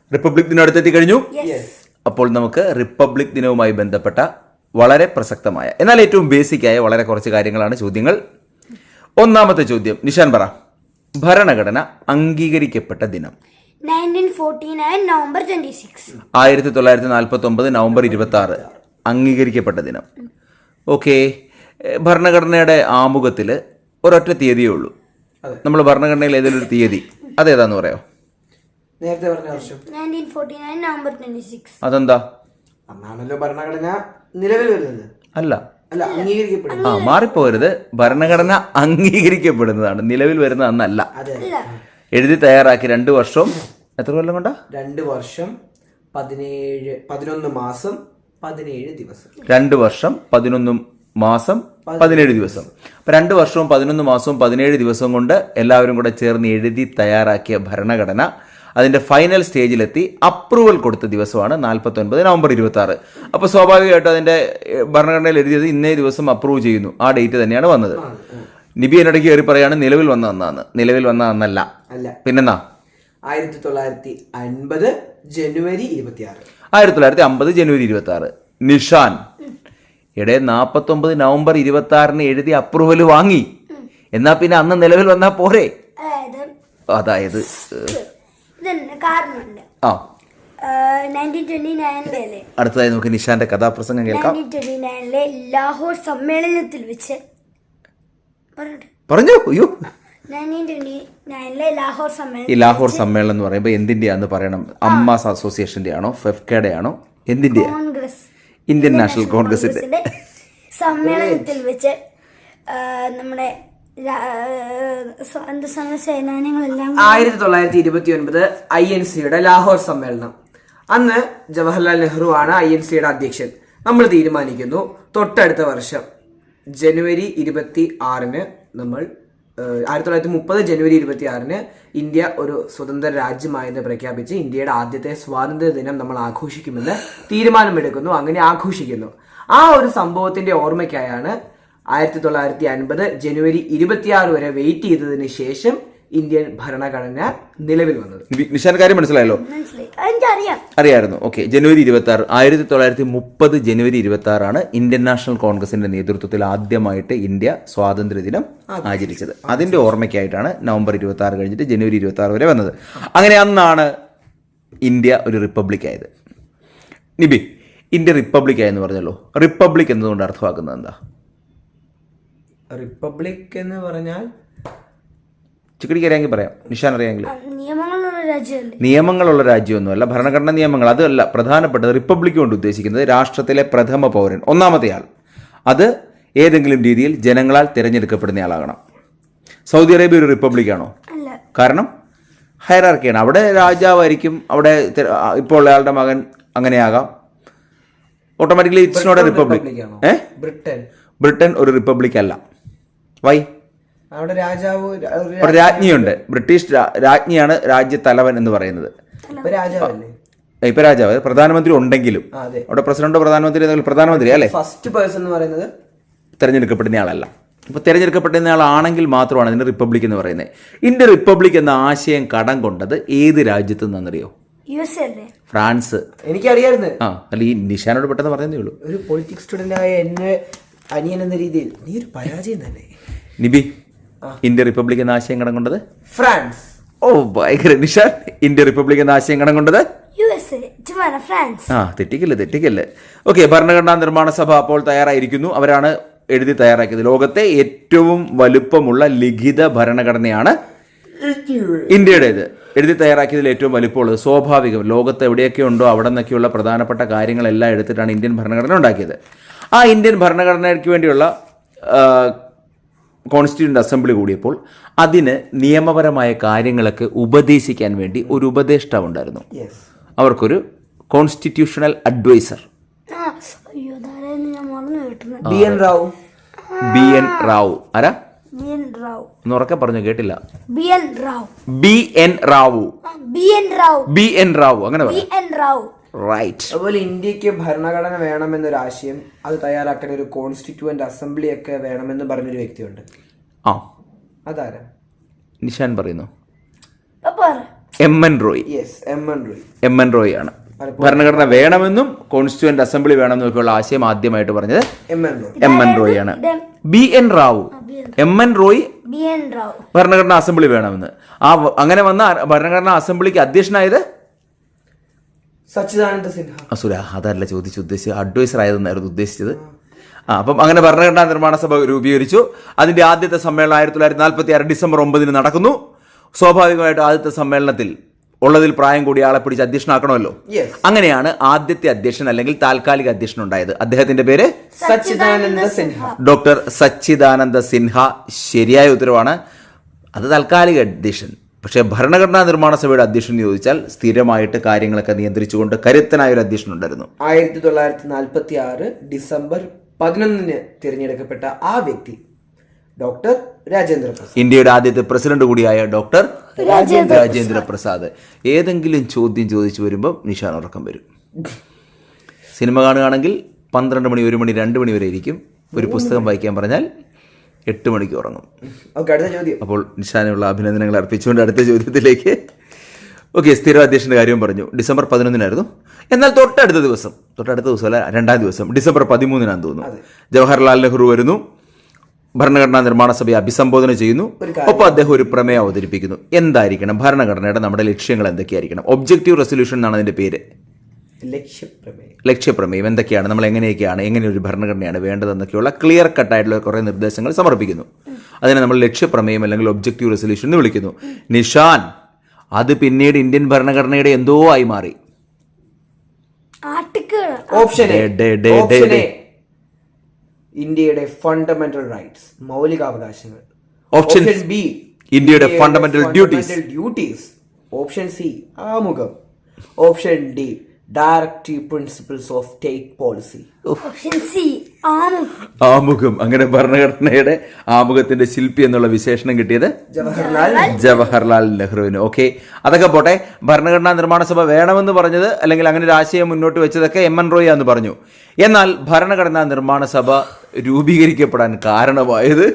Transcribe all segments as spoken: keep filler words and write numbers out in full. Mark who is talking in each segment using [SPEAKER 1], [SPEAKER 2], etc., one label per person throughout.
[SPEAKER 1] Republic ദിനം അടുത്തെത്തി കഴിഞ്ഞു. അപ്പോൾ നമുക്ക് റിപ്പബ്ലിക് ദിനവുമായി ബന്ധപ്പെട്ട വളരെ പ്രസക്തമായ എന്നാൽ ഏറ്റവും ബേസിക്കായ വളരെ കുറച്ച് കാര്യങ്ങളാണ് ചോദ്യങ്ങൾ. ഒന്നാമത്തെ ചോദ്യം നിഷാൻ പറ. ഭരണഘടന അംഗീകരിക്കപ്പെട്ട ദിനം ആയിരത്തി തൊള്ളായിരത്തി നാൽപ്പത്തി ഒമ്പത് നവംബർ ഇരുപത്തി ആറ് അംഗീകരിക്കപ്പെട്ട ദിനം. ഓക്കെ, ഭരണഘടനയുടെ ആമുഖത്തിൽ ഒരൊറ്റ തീയതിയേ ഉള്ളൂ. നമ്മൾ ഭരണഘടനയിൽ ഏതെങ്കിലും ഒരു തീയതി അതേതാന്ന് പറയാമോ?
[SPEAKER 2] നേരത്തെ പറഞ്ഞ വർഷം
[SPEAKER 3] നവംബർ ഇരുപത്തിയാറ്.
[SPEAKER 1] അതെന്താ?
[SPEAKER 2] അന്നാണല്ലോ ഭരണഘടന നിലവിൽ വരുന്നത്.
[SPEAKER 1] അല്ല
[SPEAKER 2] അല്ല അംഗീകരിക്കപ്പെടുന്നത്.
[SPEAKER 1] ആ മാറിപ്പോകരുത്. ഭരണഘടന അംഗീകരിക്കപ്പെടുന്നതാണ്, നിലവിൽ വരുന്നത് അന്നല്ല. എഴുതി തയ്യാറാക്കി രണ്ട് വർഷം എത്ര കൊല്ലം കൊണ്ടാ?
[SPEAKER 2] രണ്ട് വർഷം പതിനേഴ് പതിനൊന്ന് മാസം പതിനേഴ് ദിവസം.
[SPEAKER 1] രണ്ട് വർഷം പതിനൊന്ന് മാസം പതിനേഴ് ദിവസം. അപ്പൊ രണ്ട് വർഷവും പതിനൊന്ന് മാസവും പതിനേഴ് ദിവസവും കൊണ്ട് എല്ലാവരും കൂടെ ചേർന്ന് എഴുതി തയ്യാറാക്കിയ ഭരണഘടന അതിന്റെ ഫൈനൽ സ്റ്റേജിലെത്തി അപ്രൂവൽ കൊടുത്ത ദിവസമാണ് നാൽപ്പത്തി ഒൻപത് നവംബർ ഇരുപത്തി ആറ്. അപ്പോൾ സ്വാഭാവികമായിട്ടും അതിന്റെ ഭരണഘടനയിൽ എഴുതിയത് ഇന്നേ ദിവസം അപ്രൂവ് ചെയ്യുന്നു, ആ ഡേറ്റ് തന്നെയാണ് വന്നത്. നിബി എന്നിടയ്ക്ക് കയറി പറയാണ് നിലവിൽ വന്ന അന്നാന്ന്. നിലവിൽ വന്ന അന്നല്ല. പിന്നെന്നാ?
[SPEAKER 2] ആയിരത്തി തൊള്ളായിരത്തി അൻപത് ജനുവരി ഇരുപത്തി ആറ്.
[SPEAKER 1] ആയിരത്തി തൊള്ളായിരത്തി അമ്പത് ജനുവരി ഇരുപത്തി ആറ്. നിഷാൻ ഇടെ നാൽപ്പത്തി ഒമ്പത് നവംബർ ഇരുപത്തി ആറിന് എഴുതി അപ്രൂവൽ വാങ്ങി, എന്നാ പിന്നെ അന്ന് നിലവിൽ വന്നാ പോരെ? അതായത് ആ അടുത്തതായി നമുക്ക് നിഷാന്റെ കഥാപ്രസംഗം കേൾക്കാം.
[SPEAKER 3] ലാഹോർ സമ്മേളനത്തിൽ വെച്ച്
[SPEAKER 1] പറഞ്ഞു. അയ്യോ,
[SPEAKER 3] ലാഹോർ
[SPEAKER 1] ഈ ലാഹോർ സമ്മേളനം എന്ന് പറയുമ്പോൾ എന്തിന്റെയാന്ന് പറയണം? അമ്മാസ് അസോസിയേഷന്റെ ആണോ ഫെഫ്കയുടെ ആണോ എന്തിന്റെ?
[SPEAKER 3] കോൺഗ്രസ്,
[SPEAKER 1] ഇന്ത്യൻ നാഷണൽ കോൺഗ്രസിന്റെ
[SPEAKER 3] സമ്മേളനത്തിൽ വെച്ച് നമ്മുടെ
[SPEAKER 2] ആയിരത്തി തൊള്ളായിരത്തി ഇരുപത്തി ഒൻപത് ഐ എൻ സിയുടെ ലാഹോർ സമ്മേളനം. അന്ന് ജവഹർലാൽ നെഹ്റു ആണ് ഐ എൻ സിയുടെ അധ്യക്ഷൻ. നമ്മൾ തീരുമാനിക്കുന്നു തൊട്ടടുത്ത വർഷം ജനുവരി ഇരുപത്തി ആറിന് നമ്മൾ ആയിരത്തി തൊള്ളായിരത്തി മുപ്പത് ജനുവരി ഇരുപത്തി ആറിന് ഇന്ത്യ ഒരു സ്വതന്ത്ര രാജ്യമായെന്ന് പ്രഖ്യാപിച്ച് ഇന്ത്യയുടെ ആദ്യത്തെ സ്വാതന്ത്ര്യ ദിനം നമ്മൾ ആഘോഷിക്കുമെന്ന് തീരുമാനമെടുക്കുന്നു. അങ്ങനെ ആഘോഷിക്കുന്നു. ആ ഒരു സംഭവത്തിന്റെ ഓർമ്മയ്ക്കായാണ് ആയിരത്തി തൊള്ളായിരത്തി അൻപത് ജനുവരി ഇരുപത്തിയാറ് വരെ വെയിറ്റ് ചെയ്തതിന് ശേഷം ഇന്ത്യൻ ഭരണഘടന നിലവിൽ വന്നത്.
[SPEAKER 1] നിഷാൻ കാര്യം മനസ്സിലായല്ലോ? അറിയായിരുന്നു. ഓക്കെ, ജനുവരി ഇരുപത്തി ആറ് ആയിരത്തി തൊള്ളായിരത്തി മുപ്പത് ജനുവരി ഇരുപത്തി ആറാണ് ഇന്ത്യൻ നാഷണൽ കോൺഗ്രസിന്റെ നേതൃത്വത്തിൽ ആദ്യമായിട്ട് ഇന്ത്യ സ്വാതന്ത്ര്യ ദിനം ആചരിച്ചത്. അതിന്റെ ഓർമ്മയ്ക്കായിട്ടാണ് നവംബർ ഇരുപത്തി ആറ് കഴിഞ്ഞിട്ട് ജനുവരി ഇരുപത്തി ആറ് വരെ വന്നത്. അങ്ങനെ അന്നാണ് ഇന്ത്യ ഒരു റിപ്പബ്ലിക് ആയത്. നിബി, ഇന്ത്യ റിപ്പബ്ലിക് ആയെന്ന് പറഞ്ഞല്ലോ, റിപ്പബ്ലിക് എന്നതുകൊണ്ട് അർത്ഥമാക്കുന്നത് എന്താ?
[SPEAKER 2] റിപ്പബ്ലിക് എന്ന് പറഞ്ഞാൽ
[SPEAKER 1] ചിക്കടിക്ക് അറിയാമെങ്കിൽ പറയാം, നിഷാൻ അറിയാമെങ്കിൽ.
[SPEAKER 3] നിയമങ്ങളുള്ള രാജ്യമല്ലേ?
[SPEAKER 1] നിയമങ്ങളുള്ള രാജ്യമൊന്നുമല്ല, ഭരണഘടനാ നിയമങ്ങൾ അതല്ല പ്രധാനപ്പെട്ടത്. റിപ്പബ്ലിക് കൊണ്ട് ഉദ്ദേശിക്കുന്നത് രാഷ്ട്രത്തിലെ പ്രഥമ പൗരൻ, ഒന്നാമത്തെ ആൾ. അത് ഏതെങ്കിലും രീതിയിൽ ജനങ്ങളാൽ തിരഞ്ഞെടുക്കപ്പെടുന്നയാളാകണം. സൗദി അറേബ്യ ഒരു റിപ്പബ്ലിക് ആണോ? കാരണം ഹൈറാർക്കിയാണ്. അവിടെ രാജാവായിരിക്കും. അവിടെ ഇപ്പോൾ ഉള്ളയാളുടെ മകൻ അങ്ങനെയാകാം. Automatically it's not a republic. ഏഹ്
[SPEAKER 2] ബ്രിട്ടൻ
[SPEAKER 1] ബ്രിട്ടൻ ഒരു റിപ്പബ്ലിക് അല്ല. വൈ?
[SPEAKER 2] അവിടെ രാജാവ്
[SPEAKER 1] രാജ്ഞിയുണ്ട്. ബ്രിട്ടീഷ് രാജ്ഞിയാണ് രാജ്യത്തലവൻ എന്ന് പറയുന്നത്. ഇപ്പൊ രാജാവ് പ്രധാനമന്ത്രി ഉണ്ടെങ്കിലും അവിടെ പ്രസിഡന്റോ പ്രധാനമന്ത്രി പ്രധാനമന്ത്രി അല്ലേ
[SPEAKER 2] ഫസ്റ്റ് പേഴ്സൺ എന്ന് പറയുന്നത്
[SPEAKER 1] തെരഞ്ഞെടുക്കപ്പെടുന്ന ആളല്ല. ഇപ്പൊ തെരഞ്ഞെടുക്കപ്പെടുന്ന ആളാണെങ്കിൽ മാത്രമാണ് അതിന് റിപ്പബ്ലിക് എന്ന് പറയുന്നത്. ഇന്ത്യ റിപ്പബ്ലിക് എന്ന ആശയം കടം കൊണ്ടത് ഏത് രാജ്യത്ത് നിന്നറിയോ? ഫ്രാൻസ്.
[SPEAKER 2] എനിക്കറിയായിരുന്നു.
[SPEAKER 1] ആ അല്ല, ഈ നിഷാനോട് പെട്ടെന്ന് പറയുന്നേ ഉള്ളൂ.
[SPEAKER 2] ഒരു പൊളിറ്റിക്സ് സ്റ്റുഡന്റ് ആയ എന്നെ അനിയൻ എന്ന രീതിയിൽ നീ ഒരു പരാജയം തന്നെ.
[SPEAKER 1] നിബി, ഇന്ത്യ റിപ്പബ്ലിക് എന്ന ആശയം കടം കൊണ്ടത്
[SPEAKER 2] ഫ്രാൻസ്.
[SPEAKER 1] ഓ ഭയങ്കര. നിഷാൻ, ഇന്ത്യ റിപ്പബ്ലിക് എന്ന ആശയം കടം കൊണ്ടത് ആ തെറ്റിക്കല്ലേ തെറ്റിക്കല്ലേ ഓക്കെ, ഭരണഘടനാ നിർമ്മാണ സഭ അപ്പോൾ തയ്യാറായിരിക്കുന്നു. അവരാണ് എഴുതി തയ്യാറാക്കിയത്. ലോകത്തെ ഏറ്റവും വലുപ്പമുള്ള ലിഖിത ഭരണഘടനയാണ് ഇന്ത്യയുടേത്. എഴുതി തയ്യാറാക്കിയതിൽ ഏറ്റവും വലിപ്പമുള്ളത് സ്വാഭാവികം. ലോകത്ത് എവിടെയൊക്കെ ഉണ്ടോ അവിടെ നിന്നൊക്കെയുള്ള പ്രധാനപ്പെട്ട കാര്യങ്ങളെല്ലാം എടുത്തിട്ടാണ് ഇന്ത്യൻ ഭരണഘടന ഉണ്ടാക്കിയത്. ആ ഇന്ത്യൻ ഭരണഘടനയ്ക്ക് വേണ്ടിയുള്ള കോൺസ്റ്റിറ്റ്യൂന്റ് അസംബ്ലി കൂടിയപ്പോൾ അതിന് നിയമപരമായ കാര്യങ്ങളൊക്കെ ഉപദേശിക്കാൻ വേണ്ടി ഒരു ഉപദേഷ്ടാവ് ഉണ്ടായിരുന്നു. അവർക്കൊരു constitutional adviser
[SPEAKER 2] B N Rao.
[SPEAKER 1] B N Rao ആരാ? ഒന്ന് ഉറക്കെ പറഞ്ഞു, കേട്ടില്ല.
[SPEAKER 3] B N Rao.
[SPEAKER 1] B N Rao.
[SPEAKER 3] B N Rao.
[SPEAKER 1] B N Rao അങ്ങനെ
[SPEAKER 3] റാവു.
[SPEAKER 1] റൈറ്റ്.
[SPEAKER 2] അതുപോലെ ഇന്ത്യക്ക് ഭരണഘടന വേണമെന്നൊരു ആശയം അത് തയ്യാറാക്കാൻ ഒരു കോൺസ്റ്റിറ്റ്യൂവന്റ് അസംബ്ലി ഒക്കെ വേണമെന്ന് പറഞ്ഞൊരു വ്യക്തിയുണ്ട്.
[SPEAKER 1] ആ
[SPEAKER 2] അതാരാ?
[SPEAKER 1] നിഷാൻ പറയുന്നു. M N Roy.
[SPEAKER 2] Yes, M N Roy.
[SPEAKER 1] M N Roy ആണ് ഭരണഘടന വേണമെന്നും കോൺസ്റ്റിറ്റ്യൂവന്റ് അസംബ്ലി വേണമെന്നും ഒക്കെയുള്ള ആശയം ആദ്യമായിട്ട് പറഞ്ഞത്
[SPEAKER 2] M N Roy.
[SPEAKER 1] M N Roy ആണ്. B N Rao. M N Roy
[SPEAKER 3] B N Rao
[SPEAKER 1] ഭരണഘടനാ അസംബ്ലി വേണമെന്ന്. ആ വ- അങ്ങനെ വന്ന ഭരണഘടനാ അസംബ്ലിക്ക് അധ്യക്ഷനായത്
[SPEAKER 2] സച്ചിദാനന്ദ സിൻഹ.
[SPEAKER 1] അസുര അതല്ല ചോദിച്ചു ഉദ്ദേശിച്ചത്, അഡ്വൈസർ ആയതെന്നായിരുന്നു ഉദ്ദേശിച്ചത്. ആ അപ്പം അങ്ങനെ ഭരണഘടനാ നിർമ്മാണ സഭ രൂപീകരിച്ചു. അതിന്റെ ആദ്യത്തെ സമ്മേളനം ആയിരത്തി തൊള്ളായിരത്തി നാൽപ്പത്തി ആറ് ഡിസംബർ ഒമ്പതിന് നടക്കുന്നു. സ്വാഭാവികമായിട്ട് ആദ്യത്തെ സമ്മേളനത്തിൽ ഉള്ളതിൽ പ്രായം കൂടി ആളെ പിടിച്ച് അധ്യക്ഷനാക്കണമല്ലോ.
[SPEAKER 2] Yes.
[SPEAKER 1] അങ്ങനെയാണ് ആദ്യത്തെ അധ്യക്ഷൻ അല്ലെങ്കിൽ താൽക്കാലിക അധ്യക്ഷൻ ഉണ്ടായത്. അദ്ദേഹത്തിന്റെ പേര്
[SPEAKER 2] സച്ചിദാനന്ദ സിൻഹ.
[SPEAKER 1] ഡോക്ടർ സച്ചിദാനന്ദ സിൻഹ. ശരിയായ ഉത്തരവാണ്. അത് താൽക്കാലിക അധ്യക്ഷൻ. പക്ഷേ ഭരണഘടനാ നിർമ്മാണ സഭയുടെ അധ്യക്ഷൻ ചോദിച്ചാൽ സ്ഥിരമായിട്ട് കാര്യങ്ങളൊക്കെ നിയന്ത്രിച്ചുകൊണ്ട് കരുത്തനായ ഒരു അധ്യക്ഷൻ ഉണ്ടായിരുന്നു.
[SPEAKER 2] ആയിരത്തി തൊള്ളായിരത്തി നാൽപ്പത്തി ആറ് ഡിസംബർ പതിനൊന്നിന് തിരഞ്ഞെടുക്കപ്പെട്ട ആ വ്യക്തി ഡോക്ടർ രാജേന്ദ്ര പ്രസാദ്.
[SPEAKER 1] ഇന്ത്യയുടെ ആദ്യത്തെ പ്രസിഡന്റ് കൂടിയായ ഡോക്ടർ രാജേന്ദ്ര പ്രസാദ്. ഏതെങ്കിലും ചോദ്യം ചോദിച്ചു വരുമ്പോൾ നിഷാൻ ഉറക്കം വരും. സിനിമ കാണുകയാണെങ്കിൽ പന്ത്രണ്ട് മണി, ഒരു മണി, രണ്ട് മണി വരെ ഇരിക്കും. ഒരു പുസ്തകം വായിക്കാൻ പറഞ്ഞാൽ എട്ട് മണിക്ക് ഉറങ്ങും.
[SPEAKER 2] ഓക്കെ, അടുത്ത ചോദ്യം.
[SPEAKER 1] അപ്പോൾ നിഷാനുള്ള അഭിനന്ദനങ്ങൾ അർപ്പിച്ചുകൊണ്ട് അടുത്ത ചോദ്യത്തിലേക്ക്. ഓക്കെ, സ്ഥിര അധ്യക്ഷൻ്റെ കാര്യം പറഞ്ഞു. ഡിസംബർ പതിനൊന്നിനായിരുന്നു. എന്നാൽ തൊട്ടടുത്ത ദിവസം, തൊട്ടടുത്ത ദിവസം അല്ല രണ്ടാം ദിവസം ഡിസംബർ പതിമൂന്നിനാന്ന് തോന്നുന്നു, ജവഹർലാൽ നെഹ്റു വരുന്നു. ഭരണഘടനാ നിർമ്മാണ സഭയെ അഭിസംബോധന ചെയ്യുന്നു. ഒപ്പം അദ്ദേഹം ഒരു പ്രമേയം അവതരിപ്പിക്കുന്നു. എന്തായിരിക്കണം ഭരണഘടനയുടെ നമ്മുടെ ലക്ഷ്യങ്ങൾ എന്തൊക്കെയായിരിക്കണം? ഒബ്ജക്റ്റീവ് റെസൊല്യൂഷൻ എന്നാണ് അതിന്റെ പേര്.
[SPEAKER 2] ലക്ഷ്യപ്രമേയം.
[SPEAKER 1] ലക്ഷ്യപ്രമേയം എന്തൊക്കെയാണ്, നമ്മൾ എങ്ങനെയൊക്കെയാണ്, എങ്ങനെ ഒരു ഭരണഘടനയാണ് വേണ്ടതെന്നൊക്കെയുള്ള ക്ലിയർ കട്ടായിട്ടുള്ള കുറേ നിർദ്ദേശങ്ങൾ സമർപ്പിക്കുന്നു. അതിനെ നമ്മൾ ലക്ഷ്യപ്രമേയം അല്ലെങ്കിൽ ഒബ്ജക്റ്റീവ് റെസൊല്യൂഷൻ എന്ന് വിളിക്കുന്നു. നിഷാൻ, അത് പിന്നീട് ഇന്ത്യൻ ഭരണഘടനയുടെ എന്തോ ആയി മാറി.
[SPEAKER 3] Article
[SPEAKER 2] option A.
[SPEAKER 1] D, D, D,
[SPEAKER 2] option
[SPEAKER 1] D.
[SPEAKER 2] A ഇന്ത്യയുടെ ഫണ്ടമെന്റൽ റൈറ്റ്സ്, മൗലികാവകാശങ്ങൾ.
[SPEAKER 1] ഓപ്ഷൻ
[SPEAKER 2] ബി
[SPEAKER 1] ഇന്ത്യയുടെ fundamental duties.
[SPEAKER 2] Duties. Option C ആമുഖം. Option D directive principles of state policy.
[SPEAKER 3] Option C ആമുഖം.
[SPEAKER 1] ആമുഖം. അങ്ങനെ ഭരണഘടനയുടെ ആമുഖത്തിന്റെ ശില്പി എന്നുള്ള വിശേഷണം കിട്ടിയത്
[SPEAKER 2] ജവഹർലാൽ
[SPEAKER 1] ജവഹർലാൽ നെഹ്റുവിന്. ഓക്കെ, അതൊക്കെ പോട്ടെ. ഭരണഘടനാ നിർമ്മാണ സഭ വേണമെന്ന് പറഞ്ഞത് അല്ലെങ്കിൽ അങ്ങനെ ഒരു ആശയം മുന്നോട്ട് വെച്ചതൊക്കെ എം എൻ റോയ് എന്ന് പറഞ്ഞു. എന്നാൽ ഭരണഘടനാ നിർമ്മാണ സഭ രൂപീകരിക്കപ്പെടാൻ കാരണമായത്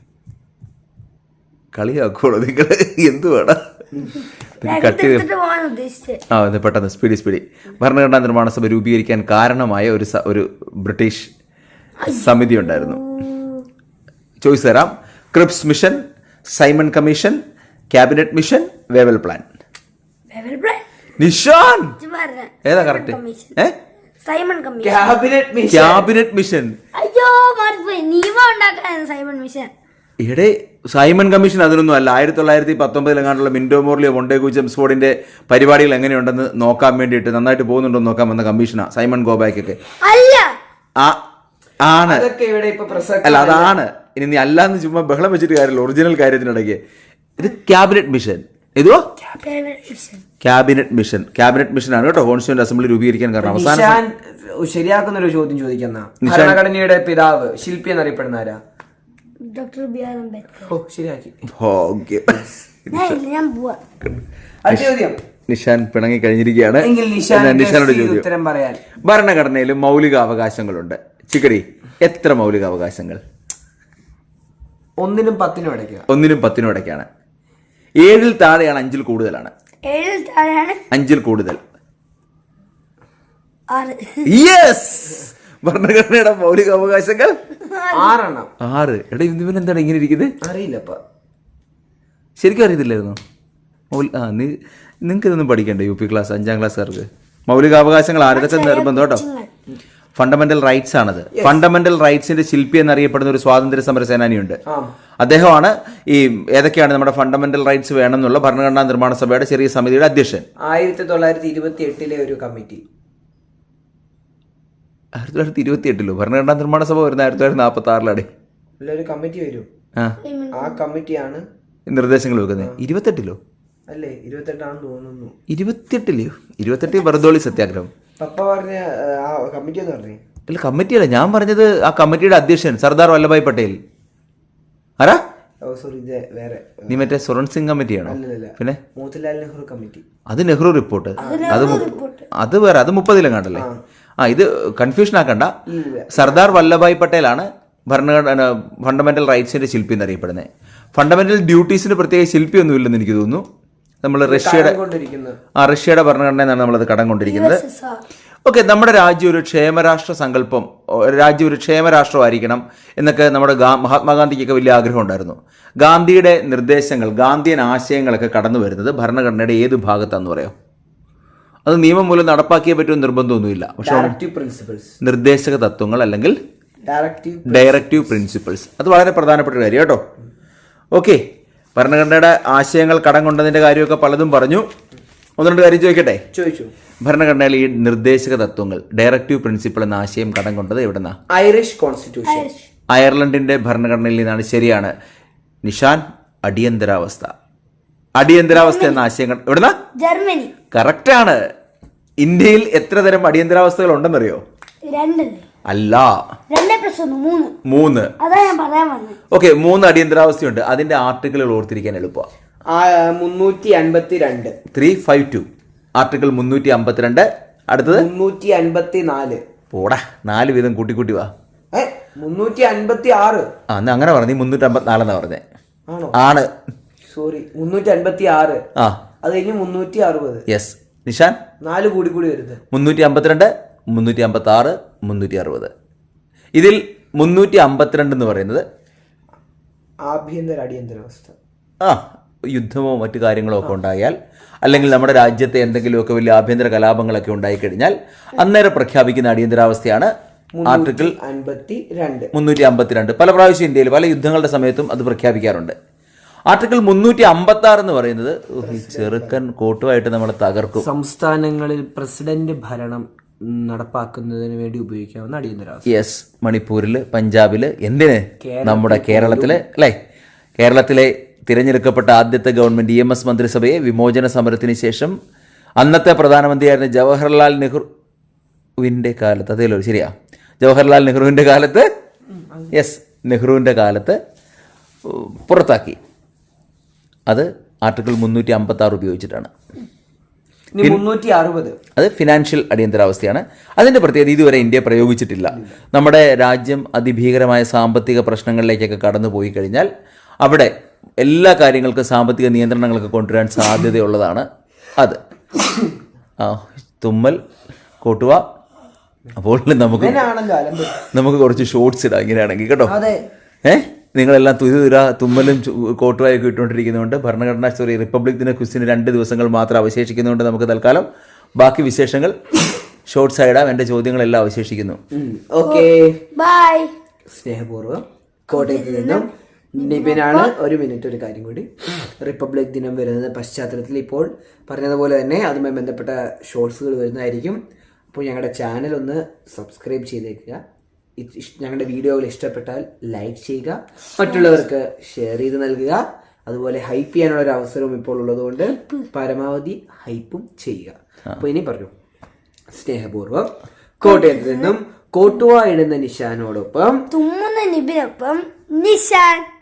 [SPEAKER 1] കളിയാക്കോളൂ നിങ്ങൾ, എന്ത് വേണം കട്ടി. ആ അതെ, പെട്ടെന്ന് സ്പീഡി സ്പീഡി. ഭരണഘടനാ നിർമ്മാണ സഭ രൂപീകരിക്കാൻ കാരണമായ ഒരു സ- ഒരു ബ്രിട്ടീഷ് സമിതി ഉണ്ടായിരുന്നു. ചോയ്സ് തരാം: Cripps mission, Simon commission, cabinet mission, Wavell plan. Nishan ഏതാ കറക്റ്റ്? ഏ
[SPEAKER 3] Simon commission.
[SPEAKER 2] Cabinet mission.
[SPEAKER 1] Cabinet mission.
[SPEAKER 3] അയ്യോ മാറിപ്പോയി. നിയമം ഉണ്ടാക്കാൻ സൈമൺ മിഷൻ.
[SPEAKER 1] ഇവിടെ സൈമൺ കമ്മീഷൻ അതിനൊന്നും അല്ല. ആയിരത്തി തൊള്ളായിരത്തി പത്തൊമ്പതിലെങ്ങാണ്ടുള്ള മിൻഡോ മോർലിയോ മൊണ്ടേഗു ജെംസ്ഫോർഡിന്റെ പരിപാടികൾ എങ്ങനെയുണ്ടെന്ന് നോക്കാൻ വേണ്ടിയിട്ട്, നന്നായിട്ട് പോകുന്നുണ്ടോ നോക്കാൻ വന്ന കമ്മീഷനാ സൈമൺ ഗോബാക്കൊക്കെ.
[SPEAKER 3] അല്ല
[SPEAKER 1] ആ ആണ്.
[SPEAKER 2] അതൊക്കെ ഇവിടെ ഇപ്പൊ പ്രസക്തമല്ല.
[SPEAKER 1] അല്ല അതാണ്. ഇനി നീ അല്ലാന്ന് ചുമ്മാ ബഹളം വെച്ചിട്ട് കാര്യമില്ല. ഒറിജിനൽ കാര്യത്തിനിടയ്ക്ക് ഇത് ക്യാബിനറ്റ് മിഷൻ. ഇതോ ക്യാബിനറ്റ് മിഷൻ. ക്യാബിനറ്റ് മിഷൻ ആണ് കേട്ടോ കോൺസ്റ്റിറ്റ്യൂന്റ് അസംബ്ലി രൂപീകരിക്കാൻ കാരണം. അവസാനം
[SPEAKER 2] നിഷാൻ ശരിയാക്കുന്ന ഒരു ചോദ്യം ചോദിക്കുന്ന ഭരണഘടനയുടെ പിതാവ്, ശില്പി എന്നറിയപ്പെടുന്ന ആരാ?
[SPEAKER 3] Doctor B R Ambedkar.
[SPEAKER 2] ഓ, ശരിയാക്കി.
[SPEAKER 1] ഓക്കെ,
[SPEAKER 3] ഞാൻ പോവാ.
[SPEAKER 2] അടുത്ത ചോദ്യം.
[SPEAKER 1] നിഷാൻ പിണങ്ങി കഴിഞ്ഞിരിക്കുകയാണ്.
[SPEAKER 2] എങ്കിൽ നിഷാൻ
[SPEAKER 1] എന്നാൽ നിഷാനോട്
[SPEAKER 2] ഈ
[SPEAKER 1] ചോദ്യം.
[SPEAKER 2] ഉത്തരം പറയാൻ.
[SPEAKER 1] ഭരണഘടനയിൽ മൗലിക അവകാശങ്ങളുണ്ട്. ചിക്കടി, എത്ര മൗലിക അവകാശങ്ങൾ?
[SPEAKER 2] ഒന്നിനും പത്തിനും ഇടയ്ക്ക്.
[SPEAKER 1] ഒന്നിനും പത്തിനും ഇടയ്ക്കാണ്. ഏഴിൽ താഴെയാണ്, അഞ്ചിൽ കൂടുതലാണ്.
[SPEAKER 3] ഏഴിൽ താഴെയാണ്,
[SPEAKER 1] അഞ്ചിൽ കൂടുതൽ.
[SPEAKER 3] ആറ്.
[SPEAKER 1] യെസ്, ഭരണഘടനയുടെ മൗലിക അവകാശങ്ങൾ
[SPEAKER 2] ആറെണ്ണം.
[SPEAKER 1] ആറ്. എടാ ഇവൻ എന്താണ് ഇങ്ങനെ ഇരിക്കുന്നത്?
[SPEAKER 2] അറിയില്ലപ്പ.
[SPEAKER 1] ശരിക്കും അറിയത്തില്ലായിരുന്നു. മൗലി ആ നീ നിങ്ങൾക്ക് ഇതൊന്നും പഠിക്കണ്ടേ? യു പി ക്ലാസ് അഞ്ചാം ക്ലാസ്സുകാർക്ക് മൗലികാവകാശങ്ങൾ ആരതൊക്കെ നിർബന്ധം കേട്ടോ. ഫണ്ടമെന്റൽ റൈറ്റ്സ് ആണത്. ഫണ്ടമെന്റൽ റൈറ്റ്സിന്റെ ശില്പി എന്നറിയപ്പെടുന്ന ഒരു സ്വാതന്ത്ര്യ സമര സേനാനിയുണ്ട്. അദ്ദേഹമാണ് ഈ ഏതൊക്കെയാണ് നമ്മുടെ ഫണ്ടമെന്റൽ റൈറ്റ്സ് വേണമെന്നുള്ള ഭരണഘടനാ നിർമ്മാണ സഭയുടെ ചെറിയ സമിതിയുടെ അധ്യക്ഷൻ.
[SPEAKER 2] ആയിരത്തി തൊള്ളായിരത്തി ഇരുപത്തി എട്ടിലെ ഒരു കമ്മിറ്റി.
[SPEAKER 1] ആയിരത്തി തൊള്ളായിരത്തി ഇരുപത്തി എട്ടിലോ ഭരണഘടനാ നിർമ്മാണ സഭ വരുന്ന ആയിരത്തി തൊള്ളായിരത്തി നാൽപ്പത്തി ആറിലാണ്.
[SPEAKER 2] അല്ല, ഒരു കമ്മിറ്റി വരും.
[SPEAKER 1] ആ
[SPEAKER 2] ആ കമ്മിറ്റിയാണ്
[SPEAKER 1] നിർദ്ദേശങ്ങൾ വെക്കുന്നത്. ഇരുപത്തെട്ടിലോ?
[SPEAKER 2] അല്ലേ, ഇരുപത്തെട്ടാണെന്ന് തോന്നുന്നു.
[SPEAKER 1] ഇരുപത്തിയെട്ടിലെയോ? ഇരുപത്തെട്ട് ബർദോളി സത്യാഗ്രഹം.
[SPEAKER 2] പപ്പ പറഞ്ഞ ആ കമ്മിറ്റി എന്ന് പറഞ്ഞേ.
[SPEAKER 1] അല്ല കമ്മിറ്റിയല്ല, ഞാൻ പറഞ്ഞത് ആ കമ്മിറ്റിയുടെ അധ്യക്ഷൻ സർദാർ വല്ലഭായ് പട്ടേൽ. ആരാ?
[SPEAKER 2] ഓ സോറി, ഇത് വേറെ.
[SPEAKER 1] നീ മറ്റേ സുരൺ സിംഗ് കമ്മിറ്റിയാണോ?
[SPEAKER 2] അല്ലല്ല,
[SPEAKER 1] പിന്നെ
[SPEAKER 2] മോത്തിലാൽ നെഹ്റു കമ്മിറ്റി.
[SPEAKER 1] അത് നെഹ്റു റിപ്പോർട്ട്. അത് അത് വേറെ, അത് മുപ്പതിലെങ്ങാണ്ടല്ലേ? ആ ഇത് കൺഫ്യൂഷൻ ആക്കണ്ട. സർദാർ വല്ലഭായ് പട്ടേലാണ് ഭരണഘടന ഫണ്ടമെന്റൽ റൈറ്റ്സിന്റെ ശില്പി എന്നറിയപ്പെടുന്നത്. ഫണ്ടമെന്റൽ ഡ്യൂട്ടീസിന് പ്രത്യേക ശില്പി ഒന്നും ഇല്ലെന്ന് എനിക്ക് തോന്നുന്നു. നമ്മൾ റഷ്യയുടെ
[SPEAKER 2] കൊണ്ടിരിക്കുന്നത്
[SPEAKER 1] ആ റഷ്യയുടെ ഭരണഘടനയെന്നാണ് നമ്മളത് കടം കൊണ്ടിരിക്കുന്നത്.
[SPEAKER 3] U S S R.
[SPEAKER 1] Okay, നമ്മുടെ രാജ്യം ഒരു ക്ഷേമരാഷ്ട്ര സങ്കല്പം, ഒരു രാജ്യം ഒരു ക്ഷേമരാഷ്ട്രമായിരിക്കണം എന്നൊക്കെ നമ്മുടെ ഗാ മഹാത്മാഗാന്ധിക്കൊക്കെ വലിയ ആഗ്രഹം ഉണ്ടായിരുന്നു. ഗാന്ധിയുടെ നിർദ്ദേശങ്ങൾ, ഗാന്ധിയൻ ആശയങ്ങളൊക്കെ കടന്നു വരുന്നത് ഭരണഘടനയുടെ ഏത് ഭാഗത്താണെന്ന് പറയാം? അത് നിയമം മൂലം നടപ്പാക്കിയേ പറ്റുമെന്ന് നിർബന്ധമൊന്നുമില്ല. പക്ഷെ
[SPEAKER 2] ഡയറക്റ്റീവ് പ്രിൻസിപ്പിൾസ്,
[SPEAKER 1] നിർദ്ദേശക തത്വങ്ങൾ അല്ലെങ്കിൽ
[SPEAKER 2] ഡയറക്റ്റീവ്
[SPEAKER 1] ഡയറക്റ്റീവ് പ്രിൻസിപ്പിൾസ്, അത് വളരെ പ്രധാനപ്പെട്ട ഒരു കാര്യം കേട്ടോ. ഓക്കെ, ഭരണഘടനയുടെ ആശയങ്ങൾ കടം കൊണ്ടതിൻ്റെ കാര്യമൊക്കെ പലതും പറഞ്ഞു. ഒന്ന് രണ്ട് കാര്യം ചോദിക്കട്ടെ?
[SPEAKER 2] ചോദിച്ചു.
[SPEAKER 1] ഭരണഘടനയിൽ ഈ നിർദ്ദേശക തത്വങ്ങൾ, ഡയറക്റ്റീവ് പ്രിൻസിപ്പിൾ എന്ന ആശയം കടം കൊണ്ടത് എവിടെന്നാ?
[SPEAKER 2] ഐറിഷ് കോൺസ്റ്റിറ്റ്യൂഷൻ,
[SPEAKER 1] അയർലൻഡിന്റെ ഭരണഘടനയിൽ നിന്നാണ്. ശരിയാണ് നിഷാൻ. അടിയന്തരാവസ്ഥ, അടിയന്തരാവസ്ഥ എന്ന ആശയം എവിടെന്നാ?
[SPEAKER 3] ജർമ്മനി.
[SPEAKER 1] കറക്റ്റാണ്. ഇന്ത്യയിൽ എത്ര തരം അടിയന്തരാവസ്ഥകൾ ഉണ്ടെന്നറിയോ?
[SPEAKER 3] രണ്ടല്ലേ?
[SPEAKER 1] അല്ല,
[SPEAKER 3] രണ്ടേ പ്ലസ് ഒന്ന് മൂന്ന്.
[SPEAKER 1] മൂന്ന്.
[SPEAKER 3] അതാ ഞാൻ പറയാൻ വന്നത്.
[SPEAKER 1] ഓക്കെ, മൂന്ന് അടിയന്തരാവസ്ഥയുണ്ട്. അതിന്റെ ആർട്ടിക്കിളുകൾ ഓർത്തിരിക്കാൻ എളുപ്പമാണ്.
[SPEAKER 2] മുന്നൂറ്റി അൻപത്തി രണ്ട്
[SPEAKER 1] ത്രീ ഫൈവ് ടു ആർട്ടിക്കിൾ മുന്നൂറ്റി അമ്പത്തിരണ്ട്. അടുത്തത്
[SPEAKER 2] മുന്നൂറ്റി അൻപത്തി നാല്.
[SPEAKER 1] പോടാ, നാല് വീതം കൂട്ടിക്കൂട്ടി വാ.
[SPEAKER 2] മുന്നൂറ്റി അൻപത്തി ആറ്.
[SPEAKER 1] ആ എന്നാ അങ്ങനെ പറഞ്ഞു. മുന്നൂറ്റി അമ്പത്തിനാലെന്നാ പറഞ്ഞേ.
[SPEAKER 2] ആണോ?
[SPEAKER 1] ആണ്.
[SPEAKER 2] സോറി, മുന്നൂറ്റി അൻപത്തി ആറ്.
[SPEAKER 1] ആ,
[SPEAKER 2] അത് കഴിഞ്ഞ് മുന്നൂറ്റി അറുപത്.
[SPEAKER 1] യെസ് നിഷാൻ.
[SPEAKER 2] നാല് കൂടി കൂടി വരുന്നത്
[SPEAKER 1] മുന്നൂറ്റി അമ്പത്തിരണ്ട്, മുന്നൂറ്റി അമ്പത്തി ആറ്, മുന്നൂറ്റി അറുപത്. ഇതിൽ മുന്നൂറ്റി അമ്പത്തിരണ്ട് എന്ന് പറയുന്നത്
[SPEAKER 2] ആഭ്യന്തര അടിയന്തരാവസ്ഥ.
[SPEAKER 1] ആ യുദ്ധമോ മറ്റു കാര്യങ്ങളോ ഒക്കെ ഉണ്ടായാൽ, അല്ലെങ്കിൽ നമ്മുടെ രാജ്യത്തെ എന്തെങ്കിലുമൊക്കെ വലിയ ആഭ്യന്തര കലാപങ്ങളൊക്കെ ഉണ്ടായിക്കഴിഞ്ഞാൽ അന്നേരം പ്രഖ്യാപിക്കുന്ന അടിയന്തരാവസ്ഥയാണ് ആർട്ടിക്കിൾ
[SPEAKER 2] അൻപത്തി രണ്ട്
[SPEAKER 1] മുന്നൂറ്റി അമ്പത്തിരണ്ട്. പല പ്രാവശ്യം ഇന്ത്യയിൽ പല യുദ്ധങ്ങളുടെ സമയത്തും അത് പ്രഖ്യാപിക്കാറുണ്ട്. ആർട്ടിക്കിൾ മുന്നൂറ്റി അമ്പത്തി ആറ് എന്ന് പറയുന്നത് ഈ ചെറുക്കൻ കോട്ടുമായിട്ട് നമ്മളെ തകർക്കും.
[SPEAKER 2] സംസ്ഥാനങ്ങളിൽ പ്രസിഡന്റ് ഭരണം നടപ്പാക്കുന്നതിന് വേണ്ടി ഉപയോഗിക്കാവുന്ന അടിയന്തരാവസ്ഥ.
[SPEAKER 1] യെസ്, മണിപ്പൂരിൽ, പഞ്ചാബിൽ, എന്തിന് നമ്മുടെ കേരളത്തിലെ അല്ലേ? കേരളത്തിലെ തിരഞ്ഞെടുക്കപ്പെട്ട ആദ്യത്തെ ഗവൺമെന്റ് ഇ എം എസ് മന്ത്രിസഭയെ വിമോചന സമരത്തിന് ശേഷം അന്നത്തെ പ്രധാനമന്ത്രിയായിരുന്ന ജവഹർലാൽ നെഹ്റുവിൻ്റെ കാലത്ത്, അതേലോ ശരിയാ, ജവഹർലാൽ നെഹ്റുവിൻ്റെ കാലത്ത്, യെസ് നെഹ്റുവിൻ്റെ കാലത്ത് പുറത്താക്കി. അത് ആർട്ടിക്കിൾ മുന്നൂറ്റി അമ്പത്തി ആറ് ഉപയോഗിച്ചിട്ടാണ്.
[SPEAKER 2] മുന്നൂറ്റി അറുപത്
[SPEAKER 1] അത് ഫിനാൻഷ്യൽ അടിയന്തരാവസ്ഥയാണ്. അതിൻ്റെ പ്രത്യേകത ഇതുവരെ ഇന്ത്യ പ്രയോഗിച്ചിട്ടില്ല. നമ്മുടെ രാജ്യം അതിഭീകരമായ സാമ്പത്തിക പ്രശ്നങ്ങളിലേക്കൊക്കെ കടന്നു പോയി കഴിഞ്ഞാൽ അവിടെ എല്ലാ കാര്യങ്ങൾക്കും സാമ്പത്തിക നിയന്ത്രണങ്ങളൊക്കെ കൊണ്ടുവരാൻ സാധ്യതയുള്ളതാണ് അത്. ആ തുമ്മൽ കോട്ടുക. അപ്പോൾ നമുക്ക് നമുക്ക് കുറച്ച് ഷോർട്സ് ഇടാം ഇങ്ങനെയാണെങ്കിൽ കേട്ടോ. ഏഹ് നിങ്ങളെല്ലാം തുരുതുര തുമ്മലും കോട്ടുവായൊക്കെ ഇട്ടുകൊണ്ടിരിക്കുന്നതുകൊണ്ട് ഭരണഘടനാ സോറി റിപ്പബ്ലിക് ദിന ക്വിസിന് രണ്ട് ദിവസങ്ങൾ മാത്രം അവശേഷിക്കുന്നതുകൊണ്ട് നമുക്ക് തൽക്കാലം ബാക്കി വിശേഷങ്ങൾ ഷോർട്സ് ആയിടാം. എൻ്റെ ചോദ്യങ്ങളെല്ലാം അവശേഷിക്കുന്നു.
[SPEAKER 2] Okay,
[SPEAKER 3] bye.
[SPEAKER 2] സ്നേഹപൂർവ്വം കോട്ടയത്ത് നിന്നും നിബിനാണ്. ഒരു മിനിറ്റ്, ഒരു കാര്യം കൂടി. റിപ്പബ്ലിക് ദിനം വരുന്ന പശ്ചാത്തലത്തിൽ ഇപ്പോൾ പറഞ്ഞതുപോലെ തന്നെ അതുമായി ബന്ധപ്പെട്ട ഷോർട്സുകൾ വരുന്നതായിരിക്കും. അപ്പോൾ ഞങ്ങളുടെ ചാനൽ ഒന്ന് സബ്സ്ക്രൈബ് ചെയ്തേക്കുക. ഞങ്ങളുടെ വീഡിയോകൾ ഇഷ്ടപ്പെട്ടാൽ ലൈക്ക് ചെയ്യുക, മറ്റുള്ളവർക്ക് ഷെയർ ചെയ്ത് നൽകുക. അതുപോലെ ഹൈപ്പ് ചെയ്യാനുള്ള ഒരു അവസരവും ഇപ്പോൾ ഉള്ളതുകൊണ്ട് പരമാവധി ഹൈപ്പും ചെയ്യുക. അപ്പോൾ ഇനി പറഞ്ഞു, സ്നേഹപൂർവ്വം കോട്ടയത്ത് നിന്നും കോട്ടുവ ഇടുന്ന നിഷാനോടൊപ്പം
[SPEAKER 3] തുമ്മുന്ന നിബിനൊപ്പം നിഷാൻ.